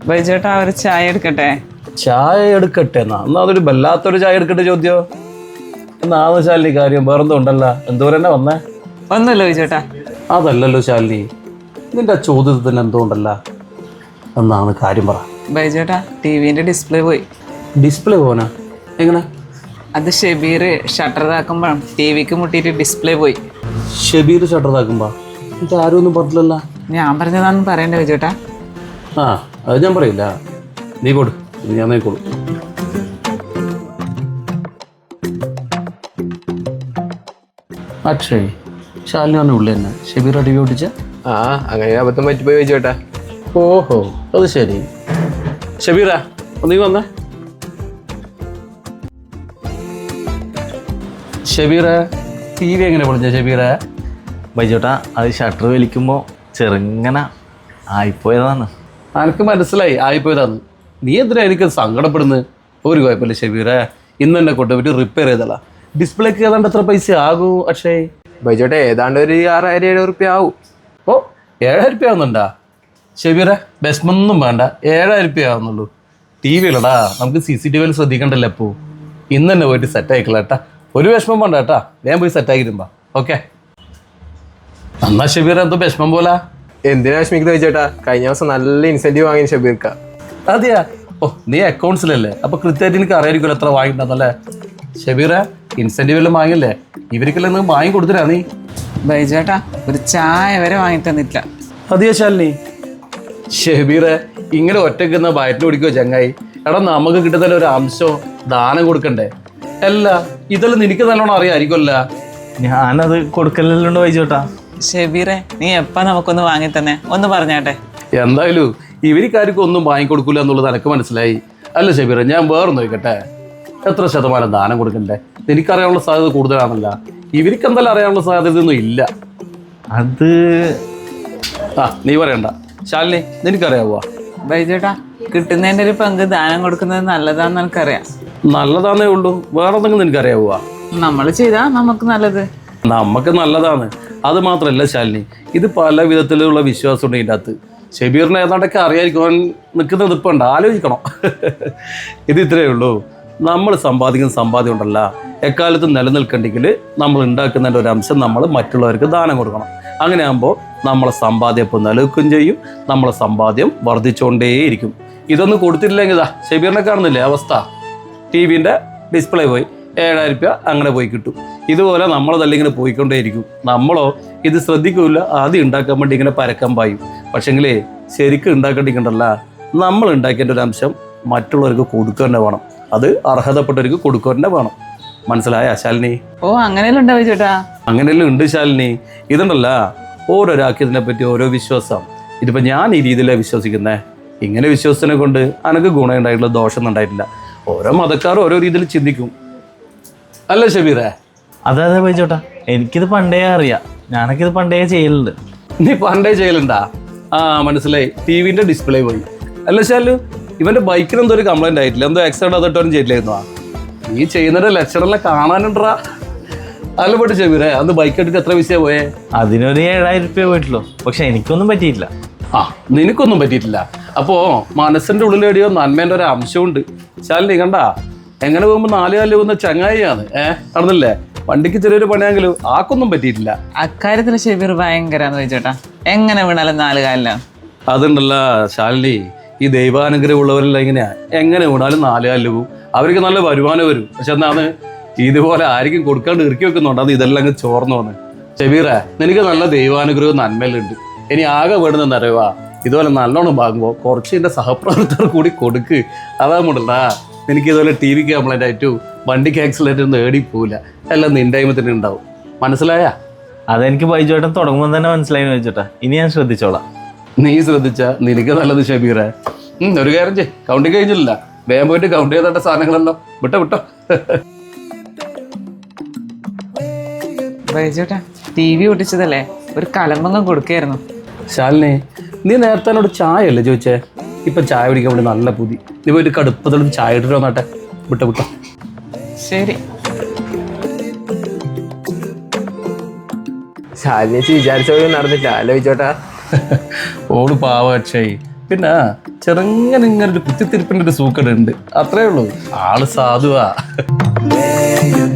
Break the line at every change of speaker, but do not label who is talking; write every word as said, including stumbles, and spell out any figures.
ബൈജേട്ടാ ഒരു ചായ എടുക്കട്ടെ?
ചായ എടുക്കട്ടെ എന്നാ എന്നാ അതൊരു വല്ലാത്തൊരു ചായ എടുക്കട്ടെ ചോദ്യോ. എന്നാന്ന് ശാലിനി കാര്യം വേറെന്തോ ഉണ്ടല്ല, എന്തോരം തന്നെ വന്നേ?
ഒന്നുമില്ല ബൈജേട്ടാ.
അതല്ലല്ലോ ശാലിനി, നിന്റെ ആ ചോദ്യത്തിന് എന്തോ ഉണ്ടല്ല, എന്നാണ് കാര്യം പറ.
ബൈജേട്ടാ ടി വിന്റെ ഡിസ്പ്ലേ പോയി.
ഡിസ്പ്ലേ പോനാ? എങ്ങനെ?
അത് ഷെബീർ ഷട്ടർ ഇതാക്കുമ്പോഴും ടി വിക്ക് മുട്ടിയിട്ട് ഡിസ്പ്ലേ പോയി.
ഷെബീർ ഷട്ടർ ഇതാക്കുമ്പോ എന്നിട്ട് ആരും ഒന്നും പറഞ്ഞില്ലല്ലോ.
ഞാൻ പറഞ്ഞതാണെന്ന് പറയണ്ടേ ബൈജേട്ടാ?
ആ അത് ഞാൻ പറയില്ല, നീ കൊടു, ഞാൻ നോക്കോളൂ. അക്ഷയ് ശാലിനി പറഞ്ഞ ഉള്ളി തന്നെ ഷെബീർ ടി വി ഓടിച്ച?
ആ അങ്ങനെ അബദ്ധം പറ്റിപ്പോയി ചോദിച്ചോട്ടാ.
ഓഹോ അത് ശരി. ഷെബീറാ നീ വന്നേ. ഷെബീറെ ടി വി എങ്ങനെ പൊളിച്ച ഷെബീറെ?
ബൈജോട്ടാ അത് ഷട്ടർ വലിക്കുമ്പോൾ ചെറുങ്ങനെ ആയിപ്പോയതാണ്.
എനിക്ക് മനസ്സിലായി ആയിപ്പോയതാന്ന്. നീ എന്തിനാ എനിക്ക് സങ്കടപ്പെടുന്നത്? ഒരു കുഴപ്പമില്ല ഷെബീറെ, ഇന്ന് തന്നെ കൊണ്ടുപോയിട്ട് റിപ്പയർ ചെയ്തല്ല. ഡിസ്പ്ലേക്ക് ഏതാണ്ട് എത്ര പൈസ ആകൂ അക്ഷയ്?
ബൈജോട്ടെ ഏതാണ്ട് ഒരു ആറായിരം ഏഴ് റുപ്യ ആവും.
ഓ ഏഴായിരം റുപ്യ ആവുന്നുണ്ടാ ഷെബീറെ? ബെസ്മൊന്നും വേണ്ട, ഏഴായിരം റുപ്യ ആവുന്നുള്ളൂ. ടി വിയിലടാ, നമുക്ക് സി സി ടി വിയിൽ ശ്രദ്ധിക്കണ്ടല്ലോ. അപ്പോൾ ഇന്ന് തന്നെ പോയിട്ട് സെറ്റ് ആയിക്കളാ കേട്ടാ. ഒരു വിഷമം വേണ്ട കേട്ടാ, ഞാൻ പോയി സെറ്റ് ആക്കിയിരുമ്പാ. ഓക്കെ എന്നാ ഷെബീറെ എന്തോ വിഷമം പോലാ?
എന്തിനാ വിഷമിക്കുന്നത് ചോദിച്ചോട്ടാ? കഴിഞ്ഞ ദിവസം നല്ല ഇൻസെന്റീവ് വാങ്ങി ഷബീർക്ക.
അതെയാ? ഓ നീ അക്കൗണ്ട്സിലല്ലേ, അപ്പൊ കൃത്യമായിട്ട് എനിക്ക് അറിയായിരിക്കുമല്ലോ എത്ര വാങ്ങിയിട്ടുണ്ടെന്നല്ലേ. ഷെബീറെ ഇൻസെന്റീവ് എല്ലാം വാങ്ങില്ലേ? ഇവർക്കെല്ലാം നിങ്ങൾ വാങ്ങി കൊടുത്തിരാ നീ?
ബൈജേട്ടാ ഒരു ചായ വരെ വാങ്ങി തന്നിട്ടില്ല.
അതെയാ ശാലിനി? ഷെബീറെ ഇങ്ങനെ ഒറ്റയ്ക്കുന്ന വയറ്റിന് പിടിക്കുമോ ചങ്ങായി? എടാ നമുക്ക് കിട്ടുന്ന ഒരു അംശം ദാനം കൊടുക്കണ്ടേ? അല്ല ഇതെല്ലാം നിനക്ക് നല്ലോണം അറിയാമായിരിക്കുമല്ല.
ഞാനത് കൊടുക്കലുണ്ട് ബൈജോട്ടാ.
ഷെബീറെ നീ എപ്പാ നമുക്കൊന്ന് വാങ്ങി തന്നെ ഒന്ന് പറഞ്ഞാട്ടെ.
എന്തായാലും ഇവർക്കാർക്കും ഒന്നും വാങ്ങിക്കൊടുക്കൂല എന്നുള്ളത് എനിക്ക് മനസ്സിലായി. അല്ല ഷെബീറെ, ഞാൻ വേറെ നോക്കട്ടെ, എത്ര ശതമാനം ദാനം കൊടുക്കണ്ടേ? എനിക്കറിയാനുള്ള സാധ്യത കൂടുതലാണല്ല, ഇവർക്ക് എന്തായാലും അറിയാനുള്ള സാധ്യതയൊന്നും ഇല്ല.
അത്
ആ നീ പറയണ്ട ശാലിനി, നിനക്കറിയാവോ?
ബൈജേട്ടാ കിട്ടുന്നതിൻ്റെ ഒരു പങ്ക് ദാനം കൊടുക്കുന്നത് നല്ലതാന്ന് എനിക്കറിയാം.
നല്ലതാന്നേ ഉള്ളൂ, വേറെ എന്തെങ്കിലും നിനക്കറിയാവോ?
നമ്മൾ ചെയ്താ നമുക്ക് നല്ലത്.
നമുക്ക് നല്ലതാണ്. അത് മാത്രമല്ല ശാലിനി, ഇത് പല വിധത്തിലുള്ള വിശ്വാസം ഉണ്ട് ഇതിൻ്റെ അകത്ത്. ഷെബീറിനെ ഏതാണ്ടൊക്കെ അറിയായിരിക്കും അവൻ നിൽക്കുന്നത്. ഇപ്പം ഉണ്ട്, ആലോചിക്കണം. ഇത് ഇത്രയേ ഉള്ളൂ. നമ്മൾ സമ്പാദിക്കുന്ന സമ്പാദ്യം ഉണ്ടല്ല, എക്കാലത്തും നിലനിൽക്കണ്ടെങ്കിൽ നമ്മൾ ഉണ്ടാക്കുന്നതിൻ്റെ ഒരു അംശം നമ്മൾ മറ്റുള്ളവർക്ക് ദാനം കൊടുക്കണം. അങ്ങനെ ആകുമ്പോൾ നമ്മളെ സമ്പാദ്യം ഇപ്പം നിലനിൽക്കുകയും ചെയ്യും, നമ്മളെ സമ്പാദ്യം വർദ്ധിച്ചുകൊണ്ടേയിരിക്കും. ഇതൊന്നും കൊടുത്തിട്ടില്ലെങ്കിൽ ഇതാ ഷെബീറിനെ കാണുന്നില്ലേ അവസ്ഥ? ടി വിൻ്റെ ഡിസ്പ്ലേ പോയി, ഏഴായിരം രൂപ അങ്ങനെ പോയി കിട്ടും. ഇതുപോലെ നമ്മളതല്ല ഇങ്ങനെ പോയിക്കൊണ്ടേയിരിക്കും. നമ്മളോ ഇത് ശ്രദ്ധിക്കില്ല, ആദ്യം ഉണ്ടാക്കാൻ വേണ്ടി ഇങ്ങനെ പരക്കം പായും. പക്ഷെങ്കിലേ ശരിക്കും ഉണ്ടാക്കേണ്ടിക്കണ്ടല്ല, നമ്മൾ ഉണ്ടാക്കേണ്ട ഒരു അംശം മറ്റുള്ളവർക്ക് കൊടുക്കുക തന്നെ വേണം. അത് അർഹതപ്പെട്ടവർക്ക് കൊടുക്കുക തന്നെ വേണം. മനസ്സിലായ ശാലിനി?
ഓ അങ്ങനെയല്ല ഉണ്ടാവും ചേട്ടാ.
അങ്ങനെയല്ലേ ഉണ്ട് ശാലിനി. ഇതുണ്ടല്ല, ഓരോരാൾക്ക് ഇതിനെപ്പറ്റി ഓരോ വിശ്വാസം. ഇതിപ്പോൾ ഞാൻ ഈ രീതിയിലാണ് വിശ്വസിക്കുന്നത്. ഇങ്ങനെ വിശ്വസത്തിനെ കൊണ്ട് എനിക്ക് ഗുണം ഉണ്ടായിട്ടുള്ള ദോഷം ഉണ്ടായിട്ടില്ല. ഓരോ മതക്കാരും ഓരോ രീതിയിൽ ചിന്തിക്കും, അല്ലേ ഷെബീറെ?
അതെ അതെ ബൈജോട്ടാ, എനിക്കിത് പണ്ടേ അറിയാം. ഞാനൊക്കെ ഇത് പണ്ടേ ചെയ്യലുണ്ട്.
നീ പണ്ടേ ചെയ്യലുണ്ടാ? ആ മനസ്സിലായി. ടി വിൻ്റെ ഡിസ്പ്ലേ പോയി അല്ല ശാലു? ഇവൻ്റെ ബൈക്കിന് എന്തോ ഒരു കംപ്ലൈൻ്റ് ആയിട്ടില്ല, എന്തോ ആക്സിഡൻറ്റ് അതിട്ടോനും ചെയ്തില്ലായിരുന്നു. നീ ചെയ്യുന്നതിൻ്റെ ലക്ഷണമെല്ലാം കാണാനുണ്ടാ? അല്ല പോട്ട് ഷെബീറെ, അന്ന് ബൈക്ക് എടുത്തിട്ട് എത്ര പൈസ പോയേ?
അതിനൊരു ഏഴായിരം രൂപ പോയിട്ടുള്ളൂ. പക്ഷെ എനിക്കൊന്നും പറ്റിയില്ല.
ആ നിനക്കൊന്നും പറ്റിയിട്ടില്ല. അപ്പോൾ മനസ്സിൻ്റെ ഉള്ളിലെടിയോ നന്മേൻ്റെ ഒരു അംശമുണ്ട്. ശാലിനി കണ്ടാ, എങ്ങനെ പോകുമ്പോൾ നാല് കാലിൽ പോകുന്ന ചങ്ങായിയാണ്. ഏഹ് നടന്നില്ലേ? വണ്ടിക്ക് ചെറിയൊരു പണിയാണെങ്കിലും ആക്കൊന്നും പറ്റിയിട്ടില്ല.
അക്കാര്യത്തിൽ ഷെബീർ ഭയങ്കരാന്ന് ചോദിച്ചേട്ടാ. എങ്ങനെ വീണാലും നാല് കാലിലാണ്.
അതുണ്ടല്ല ശാലിനി, ഈ ദൈവാനുഗ്രഹം ഉള്ളവരെല്ലാം ഇങ്ങനെയാ, എങ്ങനെ വീണാലും നാല് കാലിൽ പോകും. അവർക്ക് നല്ല വരുമാനം വരും. പക്ഷെ എന്നാണ് ഇതുപോലെ ആർക്കും കൊടുക്കാണ്ട് ഇറക്കി വെക്കുന്നുണ്ട്. അത് ഇതെല്ലാം അങ്ങ് ചോർന്നു വന്ന്. ഷെബീറെ നിനക്ക് നല്ല ദൈവാനുഗ്രഹവും നന്മയിലുണ്ട്. ഇനി ആകെ വേണമെന്ന് അറിയുക, ഇതുപോലെ നല്ലോണം വാങ്ങുമ്പോൾ കുറച്ച് എൻ്റെ സഹപ്രവർത്തകർ കൂടി കൊടുക്ക്. അതാകുമ്പോണ്ടല്ലാ എനിക്ക് ഇതുപോലെ ടി വിക്ക് കംപ്ലൈൻ്റ് ആയിട്ടും വണ്ടിക്ക് ആക്സിഡൻറ്റ് ഒന്നും ഏടി പോവില്ല. എല്ലാം നിൻ്റെ ടൈമത്തിന് ഉണ്ടാവും. മനസ്സിലായ?
അതെനിക്ക് ബൈജോട്ടൻ തുടങ്ങുമ്പോൾ തന്നെ മനസ്സിലായി ചോദിച്ചോട്ടാ. ഇനി ഞാൻ ശ്രദ്ധിച്ചോളാം.
നീ ശ്രദ്ധിച്ച നിനക്ക് നല്ലത് ഷെബീറെ. ഒരു കാര്യം ചെയ്, കൗണ്ടിങ് കഴിഞ്ഞില്ല, വേഗം പോയിട്ട് കൗണ്ട് ചെയ്തേണ്ട സാധനങ്ങളെല്ലാം വിട്ടോ വിട്ടോ.
ബൈജോട്ടാ ടി വി ഒട്ടിച്ചതല്ലേ, ഒരു കലമ്പങ്ങം കൊടുക്കായിരുന്നു.
ശാലിനി, നീ നേരത്തെ എന്നോട് ചായ അല്ലേ ചോദിച്ചേ? ഇപ്പം ചായ കുടിക്കാൻ വേണ്ടി നല്ല പുതി. നീ പോയിട്ട് കടുപ്പത്തോട് ചായ ഇട്ടിട്ട് വന്നാട്ടെ. വിട്ടോ വിട്ടോ.
ശരി.
ശാലിനി വിചാരിച്ച നടന്നില്ല അല്ലേ ബൈജോട്ടാ?
ഓട് പാവ അക്ഷയ്. പിന്നെ ചെറുങ്ങനെ ഇങ്ങനെ ഒരു കുത്തിത്തിരിപ്പിൻ്റെ ഒരു സൂക്കട് ഉണ്ട്, അത്രേ ഉള്ളൂ. ആള് സാധുവാ.